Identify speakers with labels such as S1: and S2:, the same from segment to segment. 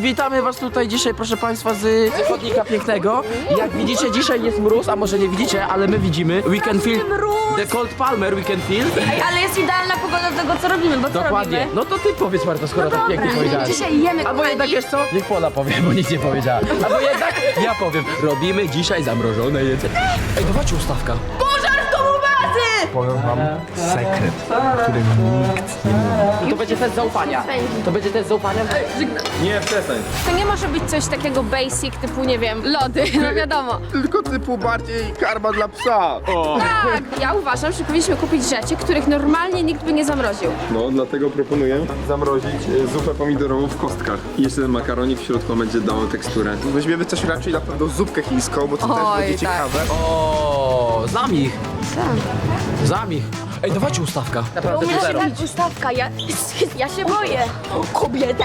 S1: witamy was tutaj dzisiaj, proszę państwa, z chodnika pięknego. Jak widzicie, dzisiaj jest mróz, a może nie widzicie, ale my widzimy. We can feel the cold Palmer, we can feel.
S2: Ej, ale jest idealna pogoda do tego, co robimy, bo co
S1: Dokładnie.
S2: robimy?
S1: No to ty powiedz, Marta, skoro tak pięknie powiedziałaś.
S2: Dzisiaj jemy,
S1: Albo
S2: kochani.
S1: jednak, wiesz co? Niech Pola powie, bo nic nie powiedziała. Albo jednak ja powiem. Robimy dzisiaj zamrożone jedzenie. Ej, dawajcie ustawka.
S2: Pożar w domu bazy!
S3: Powiem wam sekret, który nikt nie mówi.
S1: To będzie test zaufania. To będzie test zaufania.
S3: Nie, przestań.
S2: To nie może być coś takiego basic, typu, nie wiem, lody, no wiadomo.
S3: Tylko typu bardziej karma dla psa. O.
S2: Tak, ja uważam, że powinniśmy kupić rzeczy, których normalnie nikt by nie zamroził.
S3: No, dlatego proponuję zamrozić zupę pomidorową w kostkach. I jeszcze ten makaronik w środku będzie dało teksturę. Weźmiemy coś raczej na pewno zupkę chińską, bo to też
S2: Oj,
S3: będzie
S2: tak.
S3: ciekawe.
S1: O, znam ich. Znam ich. Ej, dawajcie ustawka. Naprawdę to zero.
S2: Ustawka, ja się boję. Kobietę.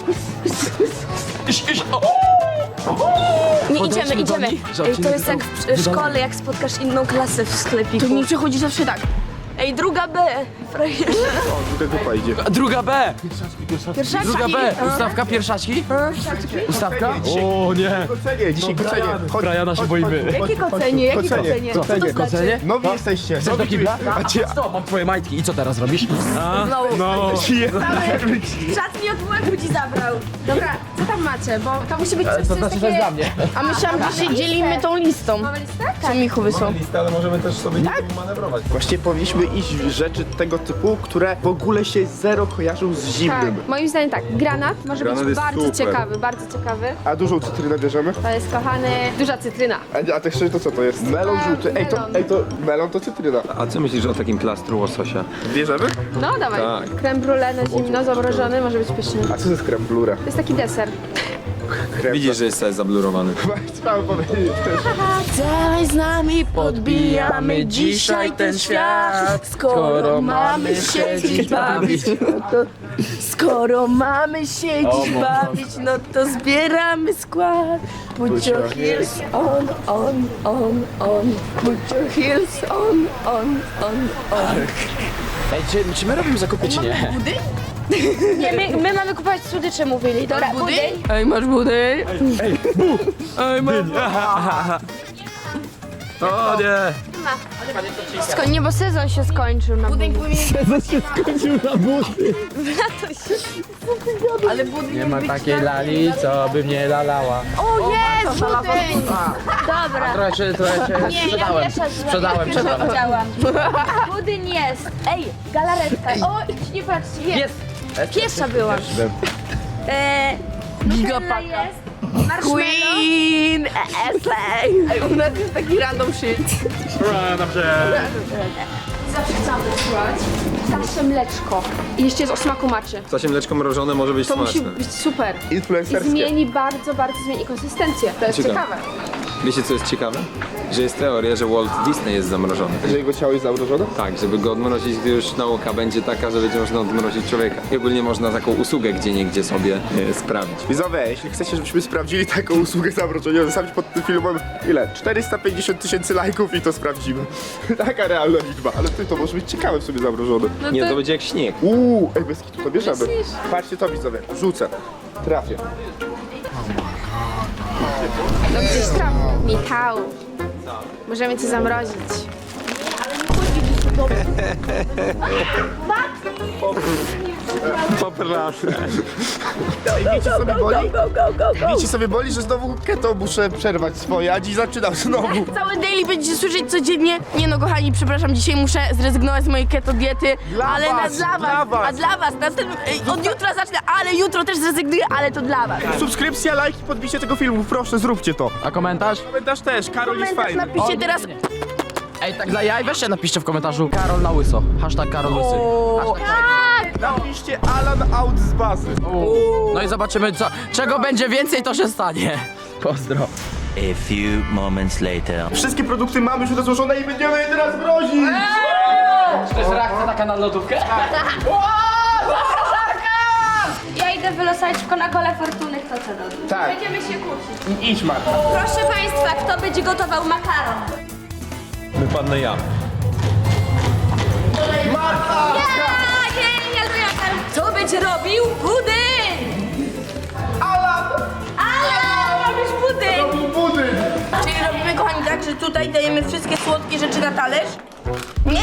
S2: Nie,
S1: Podejście
S2: idziemy,
S1: do
S2: idziemy.
S1: nich, że
S2: Ej, to
S1: odcinek
S2: jest jak w szkole, jak spotkasz inną klasę w sklepiku. To mi przychodzi zawsze tak. Ej, druga B. Frajerze.
S3: O, druga zupa idzie.
S1: Druga B.
S2: Pierwszaczki.
S1: Druga B. Ustawka pierwszaczki? Ustawka? O nie.
S3: Kocenie, dzisiaj kocenie. Chodź,
S1: Briana się boimy.
S2: Jakie kocenie, jakie
S3: Kocenie.
S2: kocenie?
S1: Kocenie?
S3: Nowi jesteście.
S1: Chcesz do kibla?
S3: A cię...
S1: Co? Mam twoje majtki. I co teraz robisz?
S3: No.
S2: Czas mi od łeb ci zabrał. Dobra, co tam macie? Bo to musi być coś,
S1: To
S2: co
S1: znaczy,
S2: jest
S1: że jest dla
S2: takie...
S1: mnie.
S2: A myślałam, że się dzielimy tą listą. Mamy listę? Co Michu wysłał.
S3: Listę, ale możemy też sobie nie manewrować. Właściwie powinniśmy iść w rzeczy tego typu, które w ogóle się zero kojarzą z
S2: Tak,
S3: zimnym.
S2: moim zdaniem tak. Granat może
S3: Granat
S2: być
S3: jest
S2: bardzo
S3: super.
S2: ciekawy, bardzo ciekawy.
S3: A dużą cytrynę bierzemy?
S2: To jest, kochany, duża cytryna.
S3: A tak szczerze to co to jest? Melon żółty. Melon to cytryna.
S4: A co myślisz o takim plastru łososia?
S3: Bierzemy?
S2: No dawaj.
S4: Tak.
S2: Creme brulee na zimno, zamrożony, może być pyszny.
S3: A co to jest creme blura?
S2: To jest taki deser.
S4: Widzisz, że jest cały zablurowany.
S3: Chciałem powiedzieć też.
S2: Daj z nami
S1: Podbijamy dzisiaj ten świat, skoro mamy siedzieć bawić.
S2: Skoro mamy się
S1: O,
S2: dziś
S1: mo-
S2: bawić, no to zbieramy skład. Put your heels on. Put your heels on.
S1: Ej, czy my robimy zakupy, czy nie?
S2: Nie, my mamy kupować słodycze, mówili. Dobra, budyń? Ej, masz budyń?
S1: Ej, mam... O nie!
S2: Nie, bo sezon się skończył na budyń.
S1: Nie ma takiej lali, co by mnie lalała.
S2: O, jest budyń! Dobra.
S1: Trochę się sprzedałem. Sprzedałem.
S2: Chciałam. Budyń jest. Ej, galaretka. O, idź, nie patrzcie. Jest. Piesza była. Nutella jest. Marshmallow.
S5: Queen Essay! U nas jest taki random shit.
S2: Zawsze chciałam wysłać. Zawsze mleczko. I jeszcze jest o smaku maczy.
S4: Zasie mleczko mrożone może być
S2: To musi
S4: smaczne.
S2: być super. I
S3: Influencerskie.
S2: zmieni bardzo zmieni konsystencję. To jest
S4: Ciekawe.
S2: ciekawe.
S4: Wiecie co jest ciekawe? Że jest teoria, że Walt Disney jest zamrożony.
S3: Że jego ciało jest zamrożone?
S4: Tak, żeby go odmrozić, gdy już nauka będzie taka, że będzie można odmrozić człowieka. I ogólnie można taką usługę gdzieniegdzie sobie sprawdzić.
S3: Widzowie, jeśli chcecie, żebyśmy sprawdzili taką usługę zamrożenia, zostawić pod tym filmem ile? 450 000 lajków i to sprawdzimy. Taka realna liczba. Ale ty, to może być ciekawe w sobie zamrożone.
S4: Nie, to będzie jak śnieg.
S3: Ej, bez kitu, to bierzemy. Patrzcie to, widzowie. Rzucę. Trafię.
S2: No gdzieś trafi. Michał. Możemy cię zamrozić.
S3: Ej, wiecie sobie boli? Wiecie sobie boli, że znowu keto muszę przerwać swoje, a dziś zaczynam znowu.
S5: Cały daily będziecie słyszeć codziennie. Nie no kochani, przepraszam, dzisiaj muszę zrezygnować z mojej keto diety.
S3: Dla
S5: ale
S3: was,
S5: dla
S3: dla was.
S5: A dla was. Od jutra zacznę, ale jutro też zrezygnuję, ale to dla was.
S3: Subskrypcja, lajki, podbicie tego filmu, proszę, zróbcie to.
S1: A komentarz?
S3: Komentarz też, Karol jest
S5: Komentarz
S3: fajny.
S5: napiszcie teraz.
S1: Ej, tak dla jaj, weźcie napiszcie w komentarzu Karol na łyso. Hashtag Karol Łysy.
S3: Napiszcie Alan out z bazy.
S1: No i zobaczymy, czego będzie więcej, to się stanie. Pozdro.
S6: A few moments later.
S3: Wszystkie produkty mamy już rozłożone i będziemy je teraz mrozić.
S1: To jest reakcja taka na lodówkę?
S2: Ja idę wylosować na kole fortuny, kto co robi.
S3: Tak.
S2: Będziemy się kłócić.
S3: Idź, Marta.
S2: Proszę Państwa, kto będzie gotował makaron?
S4: Wypadnę ja.
S2: Ja, kto będzie robił budyń?
S3: Alan!
S5: tutaj dajemy wszystkie słodkie rzeczy na talerz. Nie!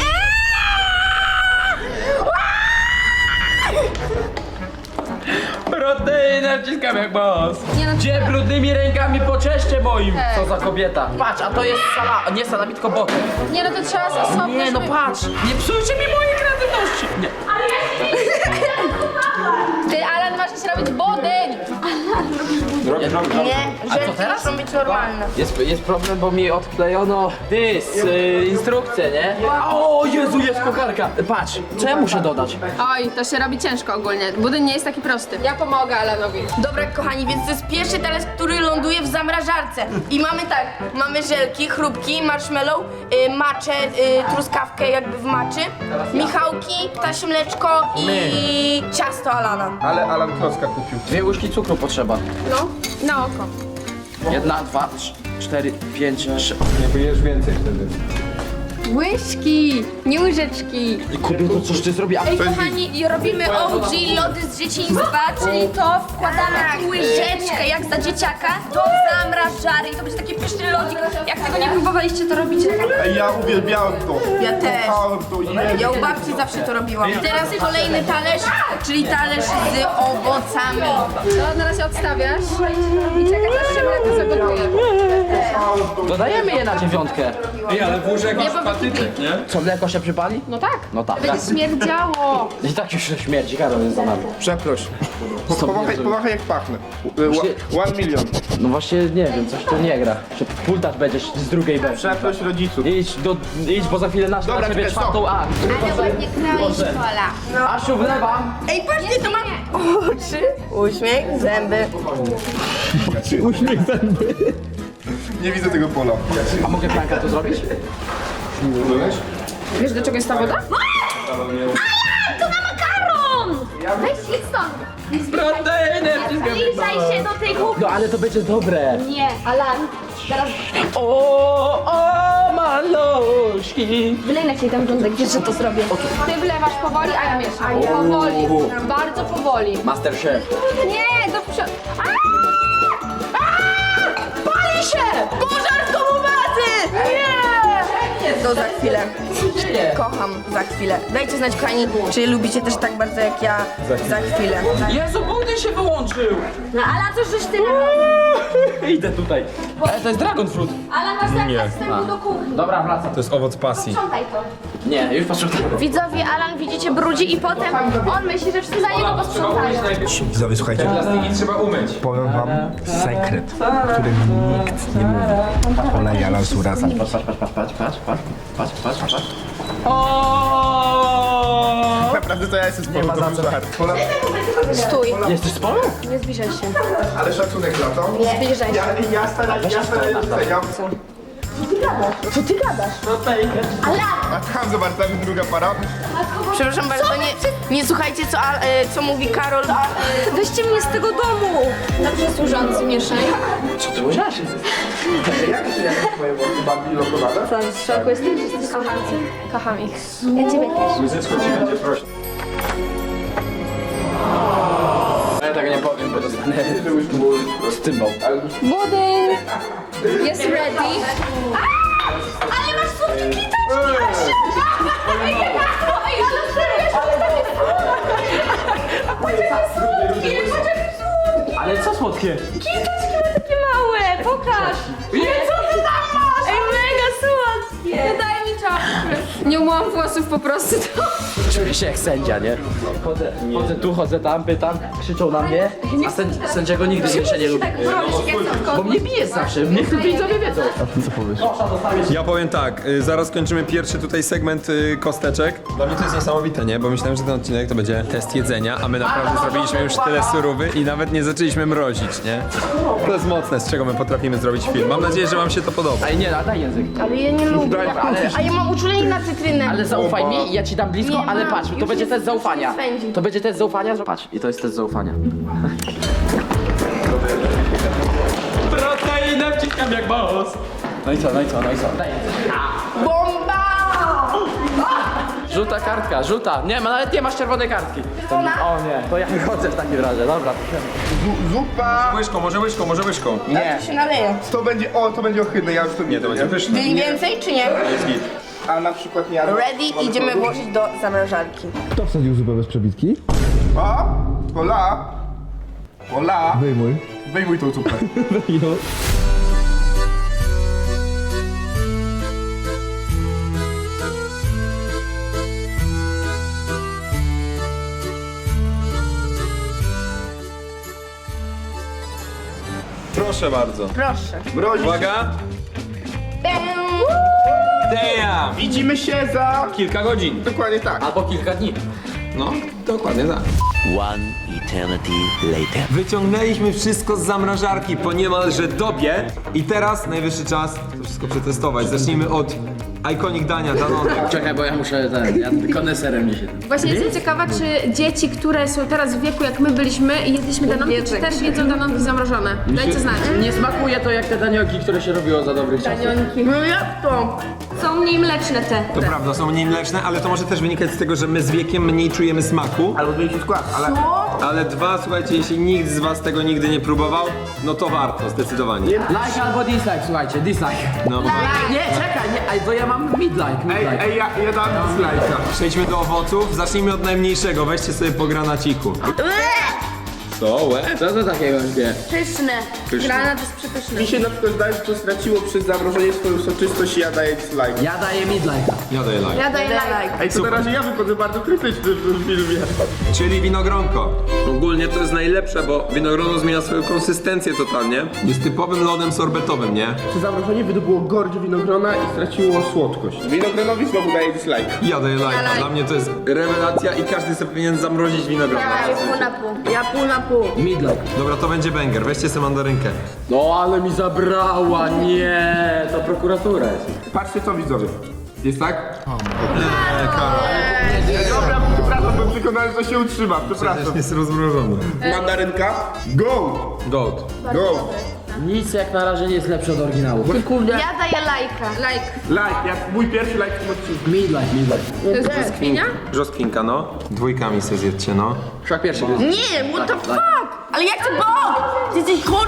S1: Proteinę wciskam jak boss.
S2: Nie no,
S1: Gdzie brudnymi rękami po czeście moim? Co za kobieta. Patrz, a to jest nie salami, tylko boty.
S2: Nie no, to trzeba zasobnie.
S1: Nie no patrz, nie psujcie mi mojej kreatywności. Nie.
S2: Ty, Alan, masz się robić budyń.
S5: Nie,
S1: A co
S5: rzeczy
S1: teraz?
S5: muszą być normalne.
S1: Jest problem, bo mi odklejono instrukcję, nie? O Jezu, jest kucharka. Patrz, co ja muszę dodać?
S7: Oj, to się robi ciężko ogólnie. Budyń nie jest taki prosty. Ja pomogę Alanowi.
S5: Dobra, kochani, więc to jest pierwszy talerz, który ląduje w zamrażarce. I mamy tak, mamy żelki, chrupki, marshmallow, maczę, truskawkę jakby w maczy, Michałki, ptasie mleczko i ciasto Alana.
S3: Ale Alan klocka kupił.
S1: 2 łyżki cukru potrzeba.
S7: No, na oko.
S1: 1, 2, 3, 4, 5, 6.
S4: Nie pojesz więcej wtedy.
S7: Łyżki, nie łyżeczki.
S1: Kobieto, coś ty zrobi?
S2: Ej, kochani, i robimy OG lody z dzieciństwa, czyli to wkładamy jak łyżeczkę, jak za dzieciaka, do zamrażary i to będzie taki pyszny lodzik. Jak tego nie próbowaliście, to robicie.
S3: Ej, ja uwielbiałem to.
S5: Ja też.
S3: Kochałem to.
S5: Ja u babci zawsze to robiłam. I teraz kolejny talerz, czyli talerz z owocami.
S7: To na razie odstawiasz i czekasz aż się mleko zagotuje.
S1: Dodajemy je na 9.
S4: Ej, ale włóż jakiś patyczek, nie?
S1: Co, mleko się przypali?
S7: No tak.
S1: No tak.
S7: Będzie śmierdziało.
S1: I tak już śmierdzi, Karol jest za nami.
S3: Przeproś. Pomachaj jak pachnę. 1 milion.
S1: No właśnie, nie wiem, coś tu nie gra. Że pultacz będziesz z drugiej B.
S3: Przeproś rodziców.
S1: Idź, bo za chwilę na
S3: Dobra,
S1: ciebie
S3: czekaj,
S1: 4. A.
S2: Ale ładnie kroisz, Pola.
S1: Asiu, wlewam.
S5: Ej, patrzcie, to mam oczy, uśmiech, zęby.
S3: Nie widzę tego pola.
S1: A mogę pranka tu zrobić?
S7: Wiesz do czego jest ta woda?
S2: To na makaron! Weź idź stąd.
S1: Proteinę
S2: Zbliżaj się do tej kuchni.
S1: No ale to będzie dobre.
S2: Nie, Alan, teraz
S1: O, maluszki.
S2: wylej na ciebie tam rządek, wiesz, że to zrobię.
S7: Ty wlewasz powoli, a ja mieszam. Powoli, bardzo powoli.
S1: Masterchef.
S7: Nie, do przodu.
S5: Pali się! Pożar w domu bazy! Nie! To za chwilę. Kocham za chwilę. Dajcie znać, kochani, czy lubicie też tak bardzo jak ja za chwilę.
S1: Jezu, budyń się wyłączył.
S2: No Alan, coś żeś ty narobił.
S1: Idę tutaj. To jest dragon fruit.
S2: Alan, masz zakaz wstępu do kuchni.
S1: Dobra, wracam.
S4: To jest owoc pasji.
S2: Sprzątaj to.
S1: Nie, już patrzę.
S2: Widzowie, Alan, widzicie, brudzi i potem on myśli, że wszyscy za niego posprzątają.
S3: Widzowie, słuchajcie.
S4: Plastiki trzeba umyć.
S3: Powiem wam sekret, który nikt nie mówi. Ola i Alan są razem.
S1: Patrz. O!
S3: Naprawdę to ja jestem z polu, to był żart. Pola,
S2: Stój,
S1: Jesteś z polu?
S2: nie zbliżaj się.
S3: ale szacunek za to.
S2: Zbliżaj się.
S3: Ja staram doceniam. A tam zobacz, tam jest druga para.
S5: Przepraszam bardzo, nie słuchajcie, co mówi Karol.
S2: Weźcie mnie z tego domu.
S7: Dobrze służący, mieszaj.
S1: Co ty łyżasz?
S3: Jak twoje włosy bardziej lokowane?
S2: Co, w szoku jesteś, że jesteś kochający? Kocham ich. Ja ciebie też.
S4: Łyżeczko ci będzie prosić.
S1: Ja tego nie powiem, bo dostanę z cymbał.
S7: Budyń jest ready.
S2: Ale masz słodkie kliteczki! Ej, ale serio,
S1: Ale co słodkie?
S2: takie małe, pokaż! Co ty tam masz? Ej, mega słodkie!
S7: Daj mi czapkę. Nie umyłam włosów po prostu.
S1: Czuję się jak sędzia, nie? Chodzę tu, chodzę tam, pytam, krzyczą na mnie, a sędziego nigdy się nie lubi. Bo mnie bije zawsze, niech to widzowie wiedzą.
S4: Ja powiem tak, zaraz kończymy pierwszy tutaj segment kosteczek. Dla mnie to jest niesamowite, nie? Bo myślałem, że ten odcinek to będzie test jedzenia, a my naprawdę zrobiliśmy już tyle surówy i nawet nie zaczęliśmy mrozić, nie? To jest mocne, z czego my potrafimy zrobić film. Mam nadzieję, że wam się to podoba.
S1: Ej, nie, daj język.
S5: Ale ja nie lubię. A ja mam uczulenie na cytrynę.
S1: Ale zaufaj mi i ja ci dam blisko,
S5: Nie
S1: ale
S5: mam,
S1: patrz, to
S5: już
S1: będzie
S5: jest-
S1: test zaufania.
S5: już jest spędzi.
S1: To będzie test zaufania, patrz, i to jest test zaufania. Proteinę wciskam jak boss. No i co? Daj język.
S5: Bomba!
S1: Żółta kartka, żółta. Nie, nawet nie masz czerwonej kartki. O nie, to ja wychodzę w takim razie, dobra.
S3: Zupa!
S4: Łyżką, może łyżką.
S3: Nie.
S5: To się naleje.
S3: To będzie ohydne, ja już to
S4: Nie, to będzie pyszne.
S5: Mniej więcej czy nie?
S4: Jest git.
S3: A na przykład nie jadłem.
S5: Ready, idziemy włożyć do zamrażarki.
S8: Kto wsadził zupę bez przebitki?
S3: O! Ola! Ola! Wyjmuj tą zupę.
S4: Proszę bardzo.
S5: Proszę.
S3: Mrozi.
S4: Uwaga. Damn!
S3: Widzimy się za...
S4: Kilka godzin.
S3: Dokładnie tak.
S1: Albo kilka dni.
S4: No, dokładnie tak.
S6: One eternity later.
S4: Wyciągnęliśmy wszystko z zamrażarki po niemalże dobie i teraz najwyższy czas to wszystko przetestować. Zacznijmy od iconic dania Danone.
S1: Czekaj, bo ja muszę ja koneserem dzisiaj.
S7: Właśnie jestem ciekawa, czy dzieci, które są teraz w wieku, jak my byliśmy i jedliśmy danonki, czy też jedzą danonki zamrożone? Dajcie znać.
S1: Nie smakuje to jak te danioki, które się robiło za dobrych czasów.
S5: No jak to?
S7: Są mniej mleczne te.
S4: To prawda, są mniej mleczne, ale to może też wynikać z tego, że my z wiekiem mniej czujemy smaku.
S3: Albo zmienić skład, ale...
S4: Ale dwa, słuchajcie, jeśli nikt z was tego nigdy nie próbował, no to warto, zdecydowanie.
S1: Like albo dislike, słuchajcie, dislike.
S4: No.
S1: Nie, czekaj, nie, to ja mam midlike.
S3: Ej, ja dam slajka.
S4: Przejdźmy do owoców, zacznijmy od najmniejszego, weźcie sobie po granaciku. Co, łe?
S1: Co to takiego wie?
S5: Pyszne.
S7: Granat jest przepyszny.
S3: Mi się na przykład zdaje, że to straciło przez zamrożenie swoją soczystość i ja daję slajka.
S1: Ja daję midlike'a.
S4: Ja daję like.
S5: Ja daję like.
S3: Ej, to na razie ja wychodzę bardzo krytyczny w tym filmie.
S4: Czyli winogronko. Ogólnie to jest najlepsze, bo winogrono zmienia swoją konsystencję totalnie. Jest typowym lodem sorbetowym, nie?
S3: Przy zamrożeniu wydobyło gorycz winogrona i straciło słodkość. Winogronowi znowu daję dislike.
S4: Ja daję like. Dla mnie to jest rewelacja i każdy sobie powinien zamrozić winogrono.
S5: Pół na pół. Ja pół na pół.
S1: Midlike.
S4: Dobra, to będzie banger. Weźcie sobie mandarynkę.
S1: No ale mi zabrała, nie, to prokuratura jest.
S3: Patrzcie co widzowie. Jest tak?
S4: Karol.
S3: Dobra, przepraszam, byłem przekonany, że to się utrzyma. Przepraszam.
S4: Jest rozmrożony.
S3: Mandarynka. Go!
S4: Goat.
S3: Go!
S1: Nic jak na razie nie jest lepsze od oryginału.
S5: Ja daję lajka.
S7: Like.
S3: Like, mój pierwszy like w tym odcinku.
S1: Midlike.
S7: To jest brzoskwinia?
S4: Brzoskwinka, no. Dwójkami sobie zjedzcie, no.
S1: Wszak pierwszy gryz.
S5: Nie, what the fuck? Ale jak to było? Ty jesteś chory?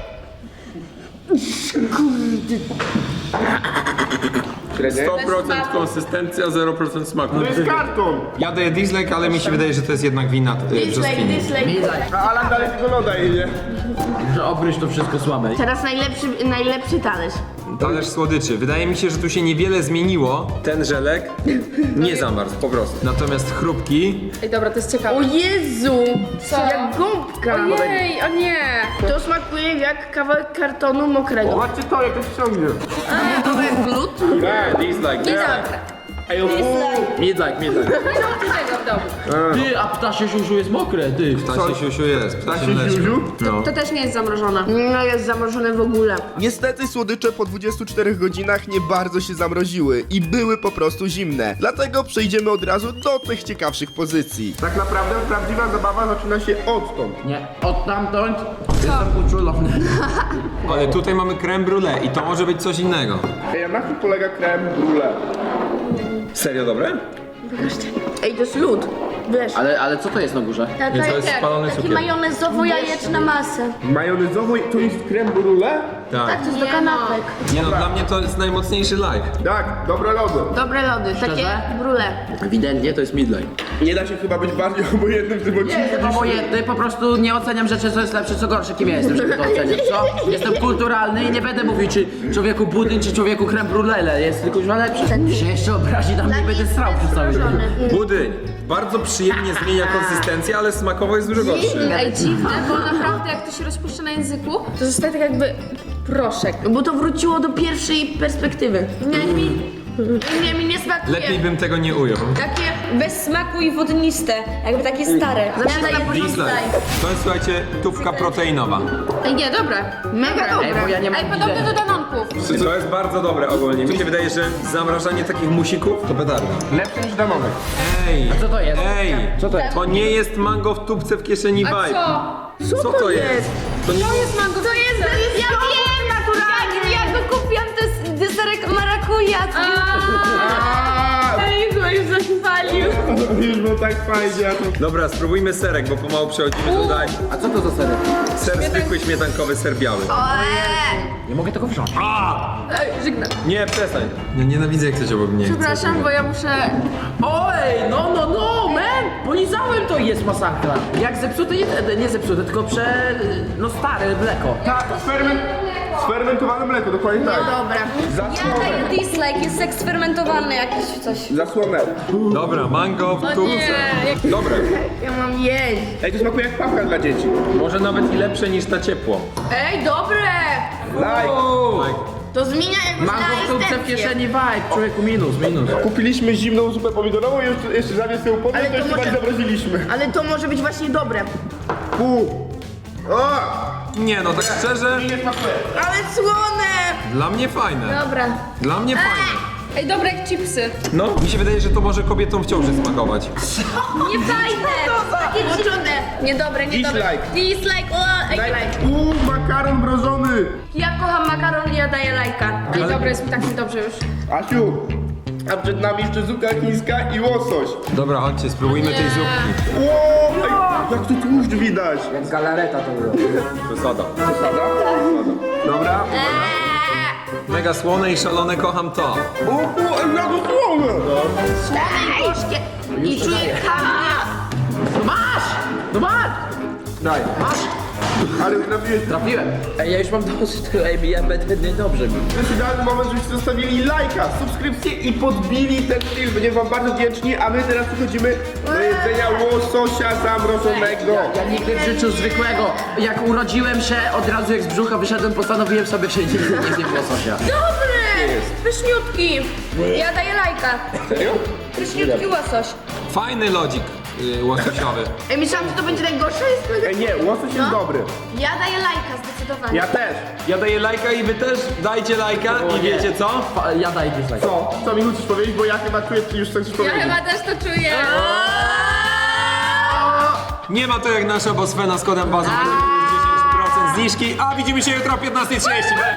S4: 100% konsystencja, 0% smaku.
S3: To jest karton!
S4: Ja daję dislike, ale mi się wydaje, że to jest jednak wina
S5: Dislike,
S4: brzoskwini.
S5: dislike.
S3: A Alan dalej tego loda jedzie.
S1: Że obryć to wszystko słabe.
S5: Teraz najlepszy talerz.
S4: Talerz słodyczy. Wydaje mi się, że tu się niewiele zmieniło. Ten żelek nie zamarzł, po prostu. Natomiast chrupki...
S7: Ej, dobra, to jest ciekawe.
S5: O Jezu!
S7: Co?
S5: Jak gąbka.
S7: Ojej, o nie.
S5: To smakuje jak kawałek kartonu mokrego.
S3: Zobaczcie to, jak to ściągnie.
S5: To jest glut?
S4: Nie, dislike, nie.
S3: Ej, o
S1: Midlike.
S7: Nie róbcie tego w domu.
S1: Ty, a ptasie siusiu jest mokre, ty.
S4: Ptasie siusiu jest, ptasie
S3: Ptasie
S4: mleczko.
S3: siusiu?
S4: No.
S7: To też nie jest zamrożone.
S5: No jest zamrożone w ogóle.
S3: Niestety słodycze po 24 godzinach nie bardzo się zamroziły i były po prostu zimne. Dlatego przejdziemy od razu do tych ciekawszych pozycji. Tak naprawdę prawdziwa zabawa zaczyna się odtąd.
S1: Nie, od tamtąd jestem uczulony.
S4: Ale tutaj mamy creme brulee i to może być coś innego.
S3: Ej, a na czym polega creme brulee?
S4: Serio dobre?
S5: Ej, to jest lód. Wiesz.
S1: Ale co to jest na górze?
S4: Więc to jest spalony cukier.
S5: majonezowo-jajeczna masa.
S3: Majonezowo to jest creme brulee?
S4: Tak.
S5: To jest do kanapek.
S4: Nie no, dla mnie to jest najmocniejszy like.
S3: Tak, dobre lody.
S5: Dobre lody, takie brule.
S1: Ewidentnie to jest midlike.
S3: Nie da się chyba być bardziej obojętnym w tym odcinku.
S1: Jestem obojętny, po prostu nie oceniam rzeczy, co jest lepsze, co gorsze. Kim ja jestem, żeby to oceniać, co? Jestem kulturalny i nie będę mówił, czy człowieku budyń, czy człowieku creme brulee jest tylko już lepszy. Się jeszcze obrazi na mnie i będę strał przez cały dzień.
S4: Budyń. Bardzo przyjemnie zmienia konsystencję, ale smakowo jest dużo gorszy.
S7: Ej, dziwne, bo naprawdę jak to się rozpuszcza na języku, to zostaje tak jakby proszek.
S5: Bo to wróciło do pierwszej perspektywy. Nie, mi nie smakuje.
S4: Lepiej bym tego nie ujął.
S2: Takie bez smaku i wodniste, jakby takie stare.
S4: Dislike. To jest, słuchajcie, tówka proteinowa.
S7: Ej, nie, dobre.
S5: Mega
S1: Ej, bo
S5: dobre.
S1: ja nie mam
S7: Ej, podobne do danonków.
S4: To jest bardzo dobre ogólnie. Mi się wydaje, że zamrażanie takich musików to petarda.
S3: Lepsze niż Danone.
S4: Ej!
S1: Co to jest?
S4: Ej!
S1: Co to jest?
S4: To nie jest mango w tubce w kieszeni
S7: A
S4: vibe.
S7: co?
S4: Co to jest? To nie...
S7: To jest mango. To jest
S2: Ja wiem, naturalnie. Ja go kupiłam, to jest deserek marakuja.
S7: Ej, chyba już zaśpiewali.
S3: było tak fajnie. a to-
S4: Dobra, spróbujmy serek, bo pomału przechodzimy tutaj.
S1: A co to za serek?
S4: Ser zwykły, śmietankowy, ser biały.
S1: Nie mogę tego wziąć.
S7: Żegnam.
S4: Nie, przestań. Ja nienawidzę, jak ktoś obok mnie chce.
S7: Przepraszam, bo ja muszę...
S1: Oj, no, man! Polizałem to i jest masakra. Jak zepsute, nie zepsute, tylko no stare mleko.
S3: Tak, sfermentowane mleko, dokładnie tak.
S2: Dobra.
S3: Zasłonę.
S2: Ja daję dislike, jest eksperymentowane jakieś coś.
S3: Zasłonę.
S4: Dobra, mango w tubce. Dobre.
S5: Ja mam jeść.
S3: Ej, to smakuje jak papka dla dzieci.
S4: Może nawet i lepsze niż ta ciepło.
S5: Ej, dobre!
S3: Like.
S5: To zmienia jakby
S1: Mam go w tubce w kieszeni, vibe, człowieku, minus.
S3: Kupiliśmy zimną zupę pomidorową i jeszcze zamiast ją podać,
S5: Ale
S3: to
S5: to
S3: jeszcze
S5: może-
S3: tak zamroziliśmy.
S5: Ale to może być właśnie dobre.
S3: O!
S4: Nie no, tak szczerze,
S3: Nie smakuje.
S5: Ale słone!
S4: dla mnie fajne.
S2: Dobra.
S4: Dla mnie fajne.
S7: Ej, dobre jak chipsy.
S4: No, mi się wydaje, że to może kobietom w ciąży smakować.
S2: Nie fajne! Takie dziwne. Niedobre, niedobre.
S3: Dislike.
S2: Dislike, o,
S3: Makaron mrożony.
S5: Ja kocham makaron i ja daję lajka.
S7: Ej, dobre, jest mi tak niedobrze już.
S3: Asiu, a przed nami jeszcze zupka chińska i łosoś.
S4: Dobra, chodźcie, spróbujmy tej zupki.
S3: Ło, ej, jak tu tłuszcz widać.
S1: Jak galareta to było.
S4: Przesada.
S3: Przesada? Dobra.
S4: Mega słone i szalone, kocham to.
S3: O, jak to słone.
S5: Ej, gorzkie. I czuję kawę.
S1: No masz!
S3: Daj.
S1: Masz!
S3: Ale trafiłeś.
S1: Trafiłem. Ej, ja już mam dosyć tego, ja będę niedobrze mi.
S3: To jest idealny moment, żebyście zostawili lajka, subskrypcję i podbili ten film. Będziemy wam bardzo wdzięczni, a my teraz przechodzimy do jedzenia łososia zamrożonego.
S1: Ja nigdy w życiu zwykłego, jak urodziłem się, od razu jak z brzucha wyszedłem, postanowiłem sobie, że nigdy nie zjem łososia.
S5: Dobry! Pyszniutki. Ja daję lajka.
S3: Serio?
S5: Pyszniutki łosoś.
S4: Fajny lodzik łososiowy.
S5: Ej, myślałam, że to będzie najgorsze. Jest
S3: Ej, nie, łosoś jest dobry.
S2: Ja daję lajka, zdecydowanie.
S3: Ja też.
S4: Ja daję lajka i wy też dajcie lajka i wiecie co?
S1: Ja daję dislike.
S3: Co Michu chcesz powiedzieć, bo ja chyba czuję, że już chcesz
S7: Ja
S3: powiedzieć.
S7: chyba też to czuję.
S4: Nie ma to jak nasza Bosfena z kodem bazą. Macie minus 10% zniżki, a widzimy się jutro o 15:30.